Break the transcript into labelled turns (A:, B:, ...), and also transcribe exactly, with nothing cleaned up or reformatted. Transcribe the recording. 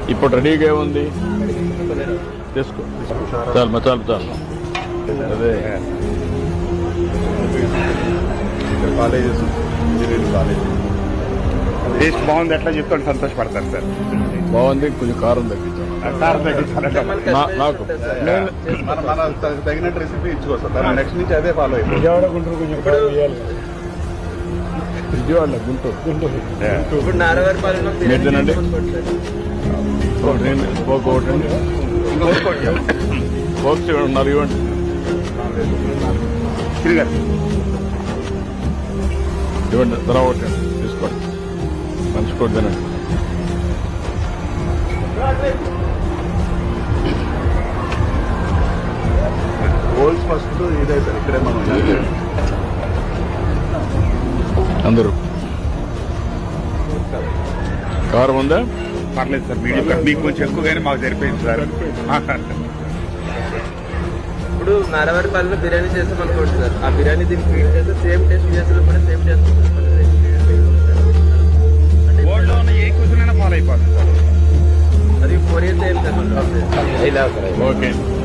A: ఇప్పుడు రెడీగా ఉంది తీసుకో చాలు మా చాలు చాలు అదే
B: కాలేజెస్ ఇంజనీరింగ్ కాలేజ్ టేస్ట్ బాగుంది ఎట్లా చెప్తాను సంతోషపడతారు సార్.
A: బాగుంది కొంచెం కారం తగ్గించాను
B: కారం తగ్గించాలంటే
A: నా- నాకు నేను
B: మన మన తగినట్టు రెసిపీ ఇచ్చుకోవచ్చు. నెక్స్ట్ నుంచి అదే ఫాలో అయిపోయింది.
C: విజయవాడ గుంటూరు కొంచెం కారం వేయాలి.
A: విజయవాడ గుంటూరు గుంటూరు
D: ఇప్పుడు నారవారి పాలన
A: మీరు తినండి ఒకటి ఒకటి బాక్స్ నాలుగు ఇవ్వండి
B: తిరిగారు
A: ఇవ్వండి తర్వాత ఒకటి తీసుకోండి మంచి కూడా తినండి
B: గోల్స్ ఫస్ట్ ఇదే సార్. ఇక్కడే మనం
A: అందరూ కారం ఉందా
B: పర్లేదు సార్. మీడియం కట్ మీకు కొంచెం ఎక్కువగానే మాకు సరిపోయింది సార్.
D: ఇప్పుడు నారవారి పాలన బిర్యానీ చేస్తాం అనుకోండి సార్. ఆ బిర్యానీ దీనికి ఫీడ్ చేస్తే సేమ్ టేస్ట్ చేస్తారు కూడా సేమ్ టేస్ట్
B: బోర్డులో ఉన్న ఏ క్వశ్చన్ అయినా ఫాలో అయిపోతుంది సార్.
D: అది ఫోర్ ఇయర్స్ అయింది సార్.
A: ఓకే